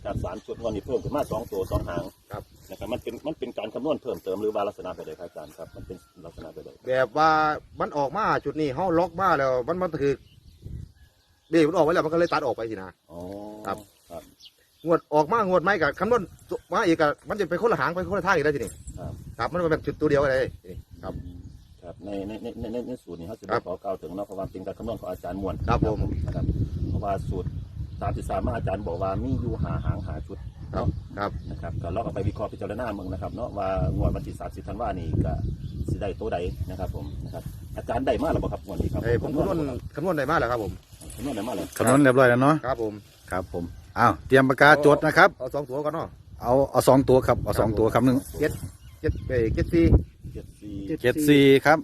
จาก3 ชุดวันนี้เพิ่มขึ้นมา2 ตัว2 หางครับนะครับมันเป็นการคำนวณเพิ่มเติมหรือว่าลักษณะไปเลยครับอาจารย์ครับมันเป็นลักษณะไปเลยแบบว่ามันออกมาจุดนี้เขาล็อกมาแล้วมันคือเบรกมันออกไว้แล้วมันก็เลยตัดออกไปสินะอ๋อครับ งวดออกมางวดไหมกับคำนวณมาอีกกับมันจะไปคนละหางไปคนละท่าอีกได้ทีนี้ครับครับมันเป็นจุดตัวเดียวเลยนี่ครับครับในสูตรนี้เขาจะขอกล่าวถึงเนาะเพราะว่าเป็นการคำนวณของอาจารย์มวลครับผมนะครับเพราะว่าสูตร33มาอาจารย์บอกว่ามีอยู่หาหางหาชุดครับเนาะครับนะครับก็ลองเอาไปวิเคราะห์พิจารณาเมืองนะครับเนาะว่างวดวันที่30ธันวาคมนี้ก็สิได้ตัวใดนะครับผมนะครับอาจารย์ได้มาหรือเปล่าครับงวดนี้ครับผมคำนวณได้มากแล้วครับผมคำนวณได้มาเลยคำนวณเรียบร้อยแล้วเนาะครับผมครับผมอ้าวเตรียมปากกาจดนะครับเอา2 ตัวก่อนเนาะเอา2 ตัวครับเอา2 ตัวครับหนึ่งเจ็ดสี่ 74 74ครับ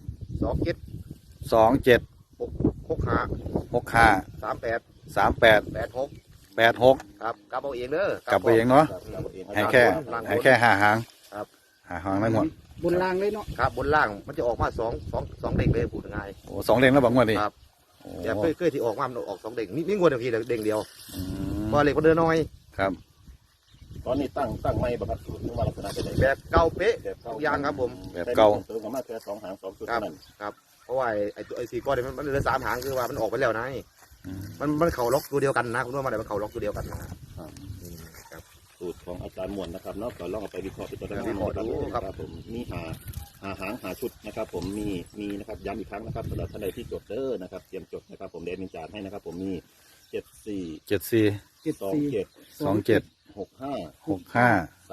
27 27 65 65 38 38 86 86 ครับกลับเอาเองเด้อกลับไปเองเนาะครับเอาเองให้แค่ให้แค่5 หางครับ 5 หางได้หมดบนรางเลยเนาะครับบนล่างมันจะออกมา2เด้งเลยพูดง่ายโอ้2 เด้งแล้วบังวดนี่ครับโอ้แต่เคยที่ออกมามันออก2เด้งนี่งวดเดียวทีเด้งเดียวอืมพอเล็กมันเดินน้อยครับตอนนี้ตั้งไม่ประพัดสูตรหรือว่าลักษณะเป็นไงแบบเก่าเป๊ะทุกอย่างครับผมแบบเก่าเติมกันมาแค่2 หาง 2 ชุดครับเท่านั้นเพราะว่าไอ้4 ก้อนเนี่ยมันเหลือ3 หางคือว่ามันออกไปแล้วนะอืมมันเข่าล็อกตัวเดียวกันนะคุณว่ามาได้มันเข่าล็อกตัวเดียวกันนะคสูตรของอาจารย์มวลนะครับเนาะก็ลองเอาไปวิเคราะห์พิจารณาวิเคราะห์ดูครับผมมีหาหางหาชุดนะครับผมมีนะครับย้ำอีกครั้งนะครับสำหรับท่านใดที่จดเด้อนะครับเตรียมจดนะครับผมเดนมินจานให้นะครับผมมี74 74 27 27 65 65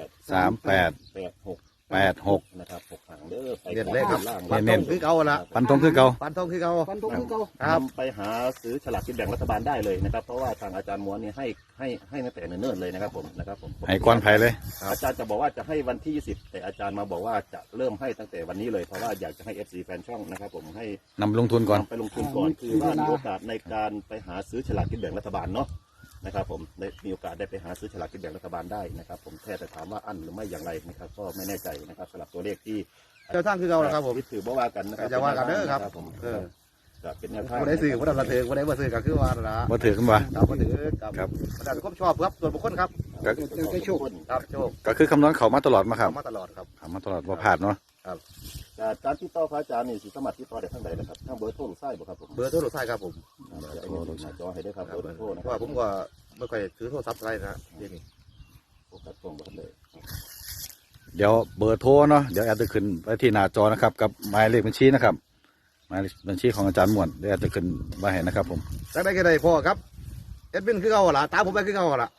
38 38 86นะครับ6 หางเด้อไปเน้นเลยครับล่างฟันเน้ธนงคือเก่าละปันธงคือเก่าฟันธงคือเก่าฟันธงคือเก่าครับนำไปหาซื้อฉลากกินแบ่งรัฐบาลได้เลยนะครับเพราะว่าทางอาจารย์ม้วนเนี่ยให้ตั้งแต่เนิ่นๆเลยนะครับผมนะครับผมให้ก้อนไผ่เลยอาจารย์จะบอกว่าจะให้วันที่ 20แต่อาจารย์มาบอกว่าจะเริ่มให้ตั้งแต่วันนี้เลยเพราะว่าอยากจะให้ FC แฟนช่องนะครับผมให้นำลงทุนก่อนนำไปลงทุนก่อนคือว่ามีโอกาสในการไปหาซื้อฉลากกินแบ่งรัฐบาลเนาะนะครับผมได้มีโอกาสได้ไปหาซื้อฉลากกินแบ่งรัฐบาลได้นะครับผมแค่แต่ถามว่าอั้นหรือไม่อย่างไรนะครับก็ไม่แน่ใจนะครับสำหรับตัวเลขที่เจ้าทางคือเก่าละครับผมถือบ่ว่ากันนะครับจะว่ากันเด้อครับผมเออก็เป็นแนวทางคนได้ซื้อคนได้มาซื้อคนได้มาซื้อก็คือว่าละบ่ถือขึ้นมาครับคนถือครับครับคนได้ความชอบครับส่วนบุคคลครับก็แต่โชคครับโชคก็คือคำนวณเขามาตลอดมาครับทำมาตลอดครับทำมาตลอดว่าพลาดเนาะการที่ต่อพระอาจารย์นี่สิสมัครที่ต่อได้ทั้งใดนะครับทั้งเบอร์โทรหรือไส้บ่ครับผมเบอร์โทรศัพท์ครับผมจะเอาเงินหน้าจอให้ได้ครับเบอร์โทรนะเพคราะรับว่าผมก็ไม่ค่อยถือโทรศัพท์อะไรนะเดี๋ยวนี้โฟกัสตรงบ่ทันเลยเดี๋ยวเบอร์โทรเนาะเดี๋ยวแอดจะขึ้นไปที่หน้าจอนะครับกับหมายเลขบัญชีนะครับหมายเลขบัญชีของอาจารย์ม่วนเดี๋ยวแอดจะขึ้นมาให้นะครับผมได้ได้ก็ได้พ่อครับเอ็ดวินคือเก่าละตามผมไปคือเก่าละ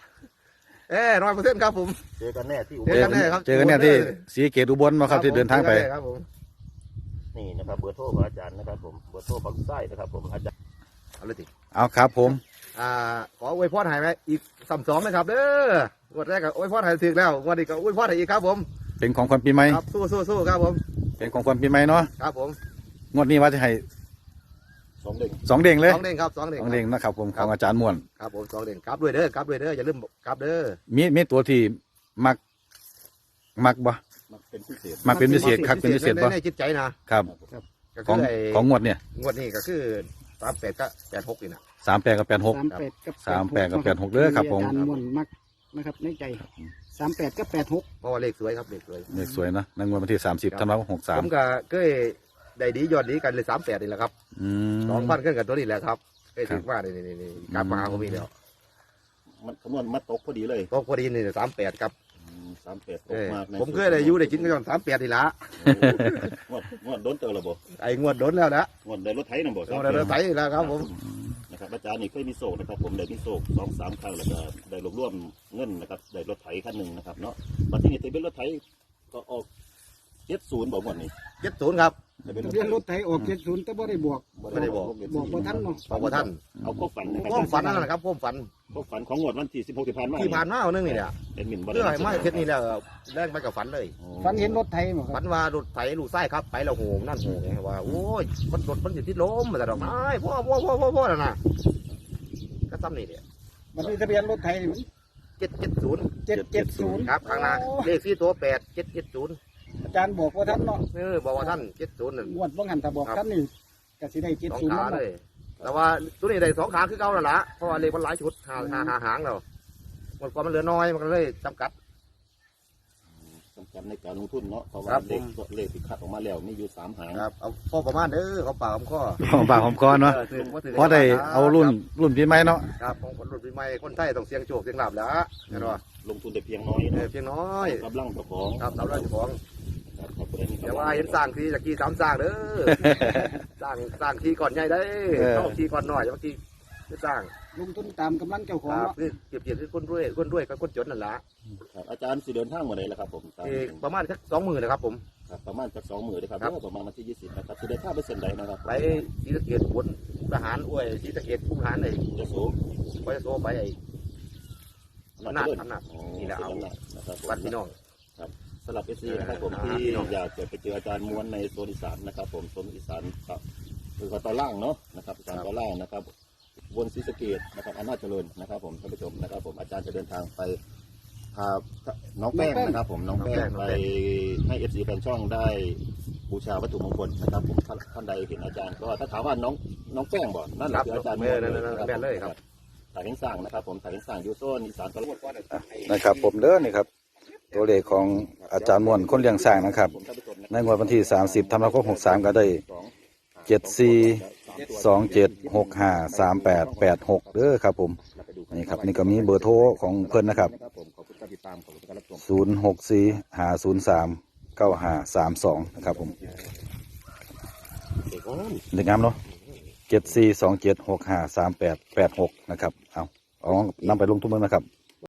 100%ครับผมเจอกันแน่ที่เจอกันแน่ครับเจอกันเนี่ยที่ศรีเกตอุบลมาครับที่เดินทางไปครับผมนี่นะครับเบอร์โทรของอาจารย์นะครับผมเบอร์โทรของไส้นะครับผมอาจารย์เอาเลยสิเอาครับผมขออวยพรให้ไหมอีก2นะครับเด้องวดแรกก็อวยพรให้ถึงแล้วงวดนี้ก็อวยพรให้อีกครับผมเป็นของขวัญปีใหม่ครับสู้ครับผมเป็นของขวัญปีใหม่เนาะครับผมงวดนี้ว่าจะให้ 2 เด้ง 2 เด้งเลย 2 เด้งครับ2 เด้ง 2 เด้งนะครับผมของอาจารย์ม่วนครับผม2 เด้งครับด้วยเด้อครับด้วยเด้ออย่าลืมครับเด้อมีตัวที่มักบ่มันเป็นพิเศษมักเป็นพิเศษครับเป็นพิเศษบ่ในจิตใจนะครับ ก็ของคือไอ้ของงวดเนี่ยงวดนี้ก็คือ38ก็86นี่นะ 38กับ 38 86 กับ 38กับ86เด้อครับผมอาจารย์ม่วนมักนะครับในใจ38กับ86 เพราะว่าเลขสวยครับเลขสวยเลขสวยนะในงวดวันที่30ธันวาคมผม 63 ก็เคยได้ดียอดดีกันเลย38นี่แหละครับอืม 2,000ขึ้นกับตัวนี้แหละครับเคยถึงว่านี่กลับมาหาผมอีกแล้วมันคำนวณมาตกพอดีเลยก็พอดีนี่38ครับ 38ตกมากผมเคยได้อยู่ได้กินกัน38นี่ละงวดโดนเจอระบบไอ้งวดโดนแล้วนะงวดได้รถไถนะบ่งวดได้ไถแล้วครับผมนะครับอาจารย์นี่เคยมีโศกนะครับผมได้มีโศก2-3 ครั้งแล้วก็ได้รวบรวมเงินนะครับได้รถไถคันหนึ่งนะครับเนาะบัดนี้ทะเบียนรถไถก็ออก70บอกงวดนี้ 70ครับทะเบียนรถไถออก70แต่บ่ได้บวกไม่ได้บอกบอกบ่ทันเนาะบอกว่าท่านเอาพวกฝันนะครัความฝันนั่นแหละครับความฝันพวกฝันของงวดวันที่16ที่ผ่านมาที่ผ่านมาเอานึงนี่แหละเป็นหมิ่นบ่เพื่อให้มาเทศนี่แล้วแรกไปกับฝันเลยฝันเห็นรถไถบ่คฝัรับนว่ารถไถลูกไส้ครับไปแล้วโหงนั่นโหงไงว่าโอ้ยมันรถมันอยู่ที่ล้มมาแต่ดอกไม้พ่อแล้วนะก็ซ้ำนี่เนี่ยบัดนี้ทะเบียนรถไถนี่มัน 770 770 ครับข้างหน้าเลข4ตัว8770 อาจารย์บอกว่าท่านเนาะบอกว่าท่าน70นั่นงวดบ่หันถ้าบอกท่านนี่ก็สิได้สอง 70 ขานั่นเลเนาะยแต่ว่าตัวนี้ได้2 ขาคือเก่าแล้วล่ะเพราะว่าเลขมันหลายชุดหาหางแล้วมันความมันเหลือน้อยมันก็เลยจำกัดสำคัญในการลงทุนเนาะเพราะคว่ารับเลขที่คัดออกมาแล้วมีอยู่3 หางครับเอาพอประมาณเด้อเขาปากเขาข้อของปากของคอเนาะถึงถึงเพราะได้เอารุ่นปีใหม่เนาะครับของคนรุ่นปีใหม่คนไทยต้องเสียงโชคเสียงลาบแล้วเห็นป่ะลงทุนแต่เพียงน้อยเนาะเพียงน้อยกำลังเจ้าของครับสำหรับเจ้าของครับขอบคุณแต่ว่าเห็นสร้างทีจากที่3สร้างเด้อ สร้างทีก่อนใหญ่ได้ต้องทีก่อนหน่อยบางทีไม่สร้างลงทุนตามกำลังเจ้าขคองรับเนาะเปรียบคือคนรวยกับคนจนนั่นแหละครับอาจารย์สิเดินทางมาไหนล่ะครับผมตามประมาณสัก20,000นะครับผมครับประมาณจาก2 มื้อเลยครับครับประมาณวันที่20นะครับสิเดินทางไปเส้นใดนะครับไปศรีสะเกษบนทหารอวยศรีสะเกษคุ้มทหารไอ้จะโสไปโซไปไอ้ อำนาจนี่แหละเอานะครับผมวัดพี่น้องสำหรับเอซีนะครับผมที่อยากจะไปเจออาจารย์ม้วนในโซนอีสานนะครับผมโซนอีสานครับคือตอนล่างเนาะนะครับอีสานตอนล่างนะครับวนศรีสะเกษนะครับอำนาจเจริญนะครับผมท่านผู้ชมนะครับผมอาจารย์จะเดินทางไปพาน้องแป้งนะครับผมน้องแป้งไปให้เอฟซีแฟนช่องได้บูชาวัตถุมงคลนะครับผมท่านใดเห็นอาจารย์ก็ถ้าถามว่าน้องแป้งบ่นั่นแหละคืออาจารย์ม้วนเลยครับถ่ายเห็นสร้างนะครับผมถ่ายเห็นสร้างยูโซนอีสานตลอดนะครับผมเด้อนี่ครับตัวเลขของอาจารย์ม่วนคนเลี้ยงสร้างนะครับในงวดวันที่30ธันวาคม63ก็ได้7427653886เด้อครับผมนี่ครับนี่ก็มีเบอร์โทรของเพิ่นนะครับ0645039532นะครับผมเด็กงามเนาะ7427653886นะครับเอานำไปลงทุนเบิ่งนะครับ